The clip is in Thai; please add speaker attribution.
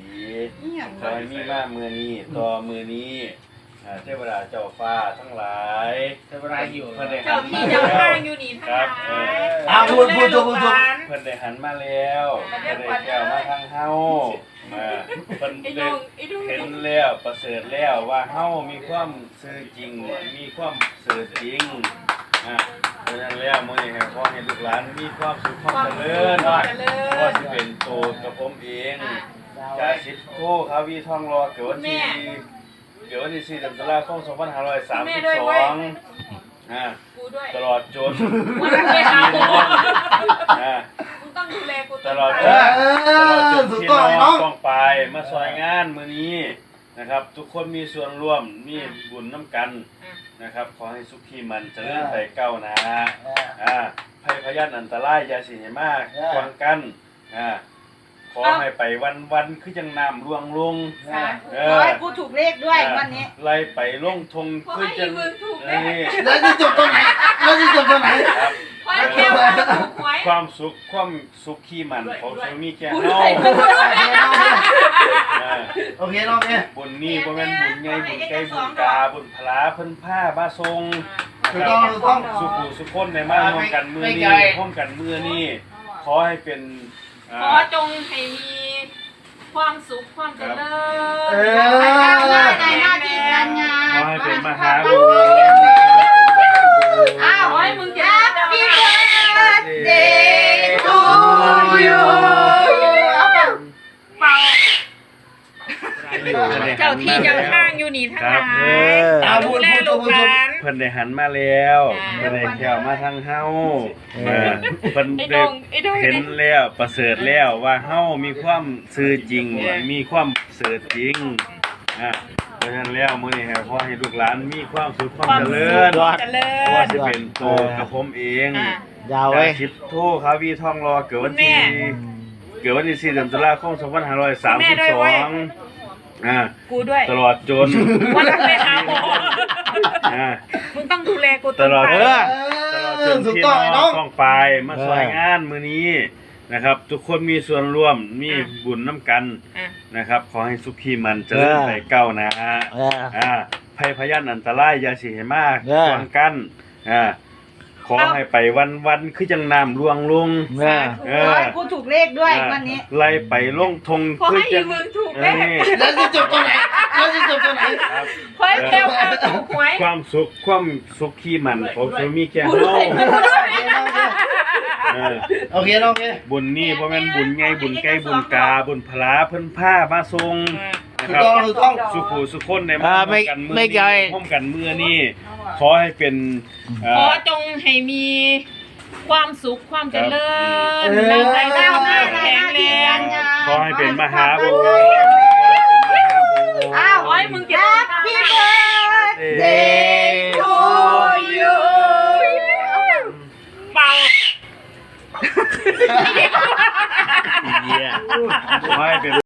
Speaker 1: ขอให้มีมาเมื่อนี้ต่อมือนี้เทวดาเจ้าฟ้าทั้งหลาย
Speaker 2: เทวดาอยู่
Speaker 3: เจ้าที่เจ้าทางอยู่นี่ทั้งหลาย
Speaker 2: พูด
Speaker 1: เพิ่นได้หันมาแล้วเพิ่นได้แก้วมาทางเฮาเพิ่นได้เห็นแล้วประเสริฐแล้วว่าเฮามีความซื่อจริงมีความซื่อจริงเพราะฉะนั้นแล้วมื้อนี้ขอให้ลูกหลานมีความสุขความเจริญว่าสิเป็นโตกับผมเองจ่าสิบโคคาวีทองรอเกิดวันที่4 เดือนตุลาคม 2532ตลอดจน
Speaker 3: ต้องดูแลกู
Speaker 1: ตลอดจนที่น้องต้องไปมาซอยงานมื้อนี้นะครับทุกคนมีส่วนร่วมมีบุญน้ำกันนะครับขอให้สุขีมันเจริญไปก้าวหน้าภัยพยันอันตรายอย่าสิให้มากกวางกันขอให้ไปวันคือจังน้ำลวงลง
Speaker 4: ขอให้กูถูกเลขด้วยวันนี้
Speaker 1: ไล่ไปลงทงคือจัง
Speaker 2: แล้วจะจบตรงไหน
Speaker 1: ครับความสุขขี้มันของชีมีแค่เฮา
Speaker 2: โอเคน้องเนี่ย
Speaker 1: บุญนี่บ่แม่นบุญใหญ่บุญไกลบุญกาบุญพลาเพิ่นผ้ามาทรงสุขุสุขคนในมาร่วมกันมือนี้ร่วมกันมือนี้ขอให้เป็น
Speaker 3: ขอจงให้มีความสุขความเจริญ
Speaker 4: ในหน้าที่การงาน
Speaker 1: ขอให้เป็นมหาบุญ
Speaker 3: ขอให้มึงเก็บ
Speaker 4: พี่เบิร์ดเดย์ทูยูเจ้าที่เจ้าทางอยู่นี่ทั้งหลายดูแลลูกหลาน
Speaker 1: เพิ่นได้หันมาแล้วเพิ่นได้แก้วมาทางเฮาเพิ่นได้เห็นแล้วประเสริฐแล้วว่าเฮามีความซื่อจริงมีความซื่อจริงเพราะฉะนั้นแล้วมื้อนี้ขอให้ลูกหลานมีความสุขความเจริญว่าสิเป็นโตกับผมเอง
Speaker 2: ยาวไว้
Speaker 1: ชิปโทคาวีทองรอเกิดวันที่4 เดือนตุลาคม 2532
Speaker 3: กูด้วย
Speaker 1: ตลอดจน
Speaker 3: วันไปหาหมอมึงต้องดูแลกู
Speaker 1: ตลอดจนที่น้องต้องไปมาซอยงานมื้อนี้นะครับทุกคนมีส่วนร่วมมีบุญน้ำกันนะครับขอให้สุขีมันเจริญไปก้าวหน้าภัยพยันอันตรายอย่าสิให้มากกวางกันขอให้ไปวันคือจังน้ำลวงลง
Speaker 4: ขอให้กูถูกเลขด้วยวันนี้
Speaker 1: ไล่ไปลงทง
Speaker 3: คือจัง
Speaker 2: แล้วจะจบตรงไหน
Speaker 1: ความสุขขี้มันของชีมีแค่เฮา
Speaker 2: โอเคน้องเนี่ย
Speaker 1: บุญนี่บ่แม่นบุญใหญ่บุญไกลบุญกาบุญพลาเพิ่นผ้ามาทรง
Speaker 2: นะครับ
Speaker 1: สุขุสุขคนในมาร่วมกันมือนี้ร่วมกันมือนี้ขอให้เป็น
Speaker 3: ขอจงให้มีความสุขความเจริญร่างกายก้าวหน้าแข็งแรง
Speaker 1: ขอให้เป็นมหาบุญ
Speaker 3: ขอให้มึงเก็บ
Speaker 4: พี่เบิร์ดเดย์ทูยู
Speaker 3: เป่า
Speaker 1: ขอให้เป็น